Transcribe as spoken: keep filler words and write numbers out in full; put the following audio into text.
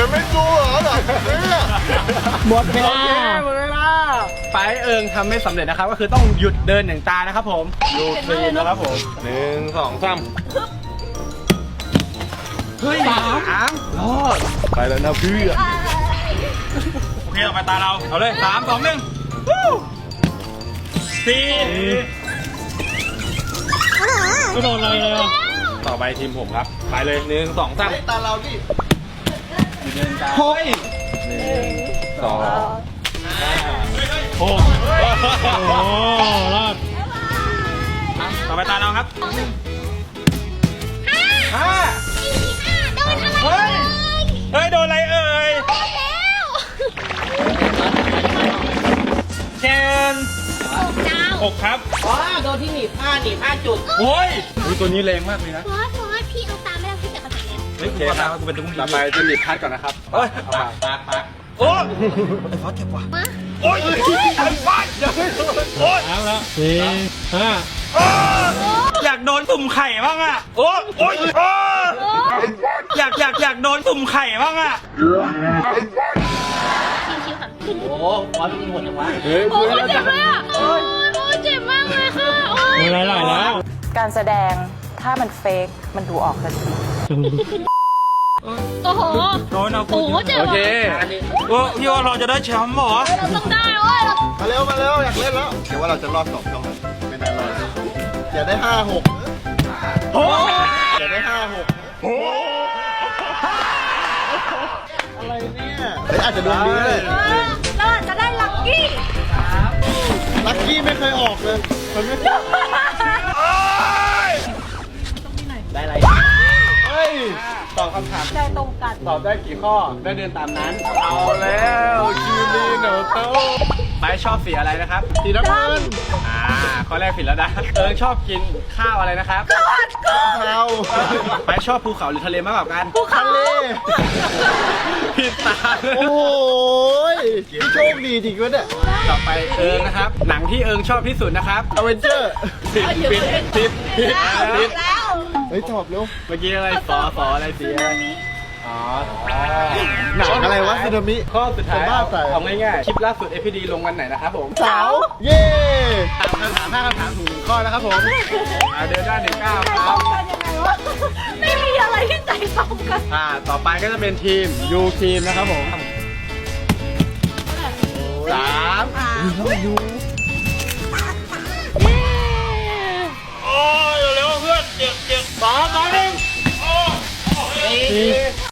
จะไม่สู้เหรอหรอเนี่ยหมดเวลาหมดเวลาไปเอิงทำไม่สำเร็จนะครับก็คือต้องหยุดเดินหนึ่งตานะครับผมดูคลีนนะครับผมหนึ่งสองสามเฮ้ยสามรอดไปแล้วนะพี่โอเคต่อไปตาเราเอาเลยสามสองหนึ่งสี่ไม่โดนอะไรเลยต่อไปทีมผมครับไปเลยหนึ่งสองสามตาเราดิหนึ่งหกหนึ่งสองหกโอ้รอดต่อไปตาเราครับห้าเฮ้ยเฮ้ยโดนอะไรเอ่ยเชนหกครับอ๋อโดนที่หนีบผ้าหนีบผ้าจุดโอ้ยตัวนี้แรงมากเลยนะเพราะเพราะว่าพี่เอาตามไม่ได้พี่จะกระต่ายแล้วโอเคครับกูเป็นตุ้งต่อไปจะหลีดพัดก่อนนะครับเอ้ยปากปากปากโอ้ยไอ้ฟอสเจ็บว่ะมาโอ้ยไอ้ฟอสยังไม่โดนโอ้ยเอาแล้วสี่ห้าอยากโดนตุ่มไข่บ้างอ่ะโอ้ยโอ้ยโอ้ยอยากอยากอยากโดนตุ่มไข่บ้างอ่ะชิวๆค่ะโอ้ฟอสเป็นหมดจังวะเฮ้ยโอ้ยเจ็บเลยอ่ะโอ้ยโอ้ยเจ็บมากเลยค่ะโอ้ยมีอะไรหน่อยแล้วการแสดงถ้ามันเฟกมันดูออกทันทีโอ้โหโดนเอาโอ้โหเจ็บโอว่ะเคโอ้พี่ว่าเราจะได้แชมป์เหรอเราต้องได้โอ้ยเรามาเร็วมาเร็วอยากเล่นแล้วเดี๋ยวว่าเราจะรอดสองช่องไม่ได้รอดอย่าได้ห้าหกโอ้ยอย่าได้ห้าหกอะไรเนี่ยเฮ้ยอาจจะดวงดีเลยเราอาจจะได้ลัคกี้ลัคกี้ไม่เคยออกเลยมันไม่ได้อะไรเฮ้ยตอบคำถามใจตรงกันตอบได้กี่ข้อได้เดินตามนั้นเอาแล้วคิวลีโนโตไปชอบสีอะไรนะครับสีน้ำเงินอ่าข้อแรกผิดแล้วนะเอิงชอบกินข้าวอะไรนะครับเทาไปชอบภูเขาหรือทะเลมากกว่ากันทะเลผิดตาโอ้โหพี่โชคดีจริงวะเนี่ยต่อไปเอิงนะครับ หนังที่เอิงชอบที่สุดนะครับอเวนเจอร์ผิดผิดผิดผิดผิดแล้วเฮ้ยตอบเร็วเมื่อกี้อะไรฟอฟออะไรสีอะไรอ๋อหนังอะไรวะซึนามิข้อสุดท้ายจะบ้าไปเอาง่ายๆคลิปล่าสุด เอ พี ดี ลงวันไหนนะครับผมเสาเย่ถามคำถามห้าคำถามถูกหนึ่งข้อนะครับผมอ่าเดินได้หนึ่งก้าวใจคตรัรบงกันยังไงวะไม่มีอะไรที่ใจตรงกันอ่าต่อไปก็จะเป็นทีมยูทีมนะครับผมสามโอ้ยเร็วเพื่อนเจ็บเจ็บสอง